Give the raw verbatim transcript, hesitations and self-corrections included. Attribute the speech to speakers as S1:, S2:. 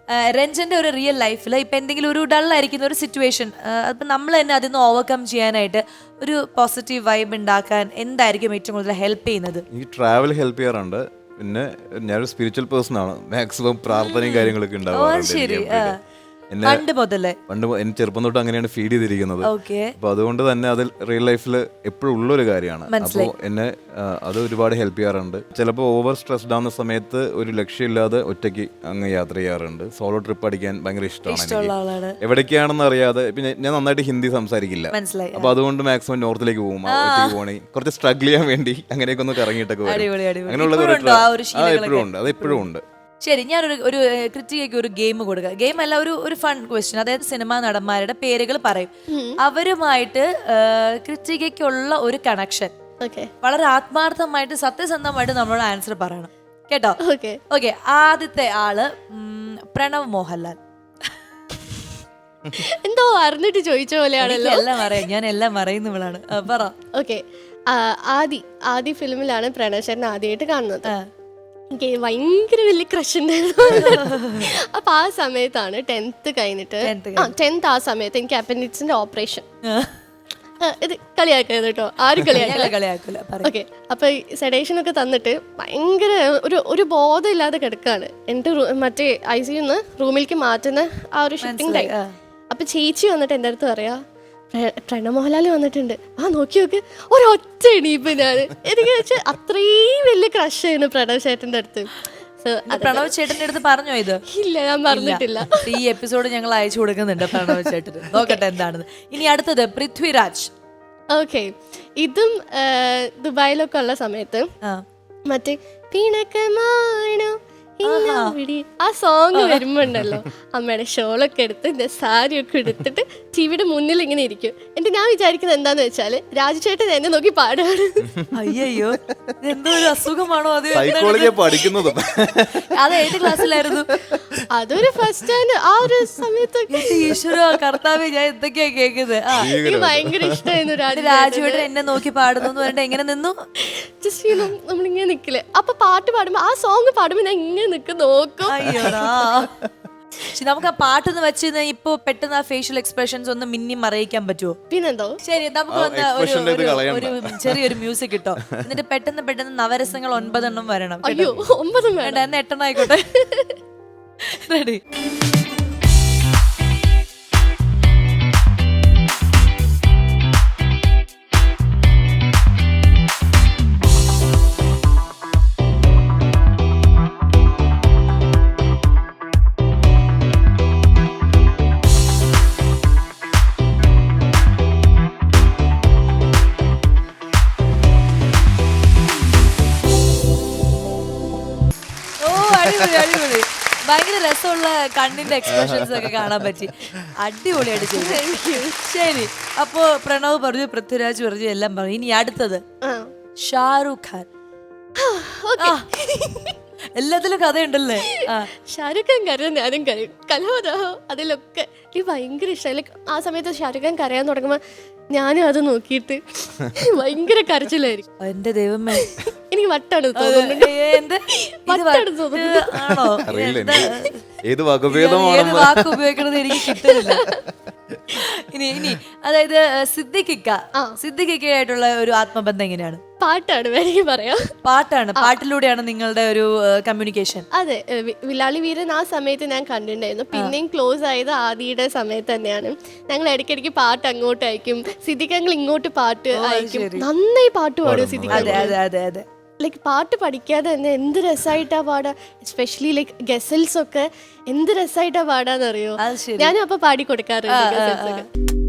S1: രഞ്ജന്റെ ഒരു റിയൽ ലൈഫിൽ ഇപ്പൊ എന്തെങ്കിലും ഒരു ഡള്ളായിരിക്കുന്ന ഒരു സിറ്റുവേഷൻ, അപ്പൊ നമ്മൾ തന്നെ അതിൽ നിന്ന് ഓവർകം ചെയ്യാനായിട്ട് ഒരു പോസിറ്റീവ് വൈബ് ഉണ്ടാക്കാൻ എന്തായിരിക്കും ഏറ്റവും കൂടുതൽ ഹെൽപ്പ് ചെയ്യുന്നത്?
S2: ഈ ട്രാവൽ ഹെൽപ്പ് ചെയ്യാറുണ്ട്. പിന്നെ ഞാനൊരു സ്പിരിച്വൽ പേഴ്സൺ ആണ്. മാക്സിമം പ്രാർത്ഥനയും കാര്യങ്ങളൊക്കെ ഉണ്ടാവാറുണ്ട്.
S1: പണ്ട് മുതലേ
S2: പണ്ട് എനിക്ക് ചെറുപ്പം തൊട്ട് അങ്ങനെയാണ് ഫീഡ് ചെയ്തിരിക്കുന്നത്. അപ്പൊ അതുകൊണ്ട് തന്നെ അതിൽ റിയൽ ലൈഫിൽ എപ്പോഴും ഉള്ളൊരു കാര്യമാണ്. അപ്പോൾ എന്നെ അത് ഒരുപാട് ഹെൽപ്പ് ചെയ്യാറുണ്ട്. ചിലപ്പോൾ ഓവർ സ്ട്രെസ്ഡ് ആവുന്ന സമയത്ത് ഒരു ലക്ഷ്യമില്ലാതെ ഒറ്റയ്ക്ക് അങ്ങ് യാത്ര ചെയ്യാറുണ്ട്. സോളോ ട്രിപ്പ് അടിക്കാൻ ഭയങ്കര ഇഷ്ടമാണ്. എവിടേക്കാണെന്ന് അറിയാതെ. പിന്നെ ഞാൻ നന്നായിട്ട് ഹിന്ദി സംസാരിക്കില്ല. അപ്പൊ അതുകൊണ്ട് മാക്സിമം നോർത്തിലേക്ക് പോകും. ഒറ്റയ്ക്ക് പോകണേ കുറച്ച് സ്ട്രഗിൾ ചെയ്യാൻ വേണ്ടി അങ്ങനെയൊക്കെ ഒന്ന് കറങ്ങിയിട്ടൊക്കെ വരും. അങ്ങനെയുള്ള എപ്പോഴും ഉണ്ട്. അത് എപ്പോഴും ഉണ്ട്.
S1: ശരി, ഞാനൊരു ഒരു കൃത്യയ്ക്ക് ഒരു ഗെയിം കൊടുക്കുക. ഗെയിം അല്ല, ഒരു ഒരു ഫൺ ക്വസ്റ്റ്യൻ. അതായത് സിനിമാ നടന്മാരുടെ പേരുകൾ പറയും. അവരുമായിട്ട് കൃത്യയ്ക്കുള്ള ഒരു കണക്ഷൻ വളരെ ആത്മാർത്ഥമായിട്ട് സത്യസന്ധമായിട്ട് നമ്മളോട് ആൻസർ പറയണം കേട്ടോ. ഓക്കെ, ആദ്യത്തെ ആള് പ്രണവ് മോഹൻലാൽ.
S3: എന്തോ അറിഞ്ഞിട്ട് ചോദിച്ച പോലെയാണല്ലോ.
S1: എല്ലാം അറിയാം, ഞാൻ എല്ലാം അറിയുന്നവളാണ്. പറ.
S3: ഓക്കെ, ആദി ആദി ഫിലിമിലാണ് പ്രണവ് ചേട്ടൻ ആദ്യമായിട്ട് കാണുന്നത്. എനിക്ക് ഭയങ്കര വലിയ ക്രഷ് ഉണ്ടായിരുന്നു. അപ്പൊ ആ സമയത്താണ് ടെൻത്ത് കഴിഞ്ഞിട്ട് ആ ടെൻത്ത് ആ സമയത്ത് എനിക്ക് അപ്പൻഡിക്സിന്റെ ഓപ്പറേഷൻ. ഇത് കളിയാക്കരുത് കേട്ടോ, ആരും കളിയാക്കില്ല. ഓക്കെ, അപ്പൊ സെഡേഷൻ ഒക്കെ തന്നിട്ട് ഭയങ്കര ഒരു ഒരു ബോധം ഇല്ലാതെ കിടക്കാണ്. എൻ്റെ മറ്റേ ഐ സി യുന്ന് റൂമിലേക്ക് മാറ്റുന്ന ആ ഒരു ഷിഫ്റ്റിംഗ് ടൈം. അപ്പൊ ചേച്ചി വന്നിട്ട് എൻ്റെ അടുത്ത് പറയാ, പ്രണവ് മോഹൻലാൽ വന്നിട്ടുണ്ട്, ആ നോക്കി നോക്ക്. ഒരൊറ്റ എണീപ്പ് ഞാൻ. എനിക്ക് വെച്ചാൽ അത്രയും വലിയ ക്രഷ് ആയിരുന്നു പ്രണവ് ചേട്ടൻ്റെ അടുത്ത്.
S1: പ്രണവ് ചേട്ടന്റെ അടുത്ത് പറഞ്ഞോ ഇത്?
S3: ഇല്ല, ഞാൻ പറഞ്ഞിട്ടില്ല.
S1: ഈ എപ്പിസോഡ് ഞങ്ങൾ അയച്ചു കൊടുക്കുന്നുണ്ട് പ്രണവ് ചേട്ടന്. നോക്കട്ടെ എന്താണെന്ന്. ഇനി അടുത്തത് പൃഥ്വിരാജ്.
S3: ഓക്കെ, ഇതും ദുബായിലൊക്കെ ഉള്ള സമയത്ത് മറ്റേ പിണക്കമാണോ ആ സോങ് വരുമ്പോണ്ടല്ലോ, അമ്മയുടെ ഷോളൊക്കെ എടുത്ത് എന്റെ സാരി ഒക്കെ എടുത്തിട്ട് ടിവിയുടെ മുന്നിൽ ഇങ്ങനെ ഇരിക്കും. എന്നിട്ട് ഞാൻ വിചാരിക്കുന്നത് എന്താന്ന് വെച്ചാല് രാജുചേട്ടൻ എന്നെ നോക്കി പാടാണ്.
S1: അയ്യോ, എന്തോ ഒരു അസുഖമാണോ അത്?
S2: പഠിക്കുന്നതും
S1: അത് ഏത് ക്ലാസ്സിലായിരുന്നു?
S3: അതൊരു ഫസ്റ്റ് സ്റ്റാൻഡ് ആ ഒരു സമയത്ത്.
S1: ഈശ്വര കർത്താവേ, ഞാൻ എന്തൊക്കെയാ കേൾക്കുന്നത്.
S3: എനിക്ക് ഭയങ്കര ഇഷ്ടമായിരുന്നു
S1: രാജുവേട്ടൻ എന്നെ നോക്കി പാടുന്നു എന്ന് പറഞ്ഞിട്ട് എങ്ങനെ നിന്നു?
S3: ജസ്റ്റ് നമ്മളിങ്ങനെ നിക്കില്ലേ, അപ്പൊ പാട്ട് പാടുമ്പോ ആ സോങ് പാടുമ്പോ ഞാൻ ഇങ്ങനെ നിക്ക് നോക്കും.
S1: അയ്യോടാ, നമുക്ക് ആ പാട്ടൊന്ന് വെച്ച് ഇപ്പൊ പെട്ടെന്ന് ആ ഫേഷ്യൽ എക്സ്പ്രഷൻസ് ഒന്ന് മിന്നി മറയിക്കാൻ പറ്റുമോ?
S3: പിന്നെന്തോ.
S1: ശരി, നമുക്ക് ഒരു ചെറിയൊരു മ്യൂസിക് കിട്ടോ, എന്നിട്ട് പെട്ടെന്ന് പെട്ടെന്ന് നവരസങ്ങൾ ഒൻപതെണ്ണം വരണം.
S3: അയ്യോ, ഒമ്പതും
S1: വേണ്ട, എന്ന് എട്ടെണ്ണം ആയിക്കോട്ടെ. റെഡി? ഭയങ്കര രസമുള്ള കണ്ണിന്റെ എക്സ്പ്രഷൻസ് ഒക്കെ കാണാൻ പറ്റി. അടിപൊളിയായിട്ട് ചെയ്തു. ശരി, അപ്പോ പ്രണവ് പറഞ്ഞു, പൃഥ്വിരാജ് പറഞ്ഞു, എല്ലാം പറഞ്ഞു. ഇനി അടുത്തത് ഷാരൂഖ് ഖാൻ. എല്ലാത്തിലും കഥയുണ്ടല്ലേ?
S3: ഷാരൂഖ് ഖാൻ കരയാൻ ഞാനും കരയും. കലഹോദാഹോ അതിലൊക്കെ എനിക്ക് ഭയങ്കര ഇഷ്ടമായി. ആ സമയത്ത് ഷാരൂഖ് ഖാൻ കരയാൻ തുടങ്ങുമ്പോ ഞാനും അത് നോക്കിയിട്ട് ഭയങ്കര കരച്ചിലായിരിക്കും.
S1: എന്റെ ദൈവമേ,
S3: എനിക്ക് വട്ടാണ് തോന്നുന്നത്.
S1: ആണോ?
S2: ഏത് വാക്ക്
S1: ഉപയോഗിക്കണത് എനിക്ക് കിട്ടുന്നില്ല. ഇനി ഇനി അതായത് സിദ്ദിഖിക്ക സിദ്ദിഖിക്കയായിട്ടുള്ള ഒരു ആത്മബന്ധം എങ്ങനെയാണ്?
S3: പാട്ടാണ് വേണമെങ്കിൽ പറയാം.
S1: പാട്ടാണ്, പാട്ടിലൂടെയാണ് നിങ്ങളുടെ ഒരു കമ്മ്യൂണിക്കേഷൻ.
S3: അതെ, വിലാളി വീരൻ ആ സമയത്ത് ഞാൻ കണ്ടിട്ടുണ്ടായിരുന്നു. പിന്നെയും ക്ലോസ് ആയത് ആദിയുടെ സമയത്ത് തന്നെയാണ്. ഞങ്ങൾ ഇടയ്ക്കിടയ്ക്ക് പാട്ട് അങ്ങോട്ട് അയക്കും, സിദ്ദിഖങ്ങൾ ഇങ്ങോട്ട് പാട്ട് അയക്കും. നന്നായി പാട്ട് പാടും സിദ്ദിഖ്.
S1: അതെ അതെ അതെ അതെ
S3: ലൈക്ക് പാട്ട് പഠിക്കാതെ തന്നെ എന്ത് രസമായിട്ടാ പാടാ. എസ്പെഷ്യലി ലൈക്ക് ഗസൽസ് ഒക്കെ എന്ത് രസമായിട്ടാ പാടാന്നറിയോ. ഞാനും അപ്പൊ പാടി കൊടുക്കാറുണ്ട്.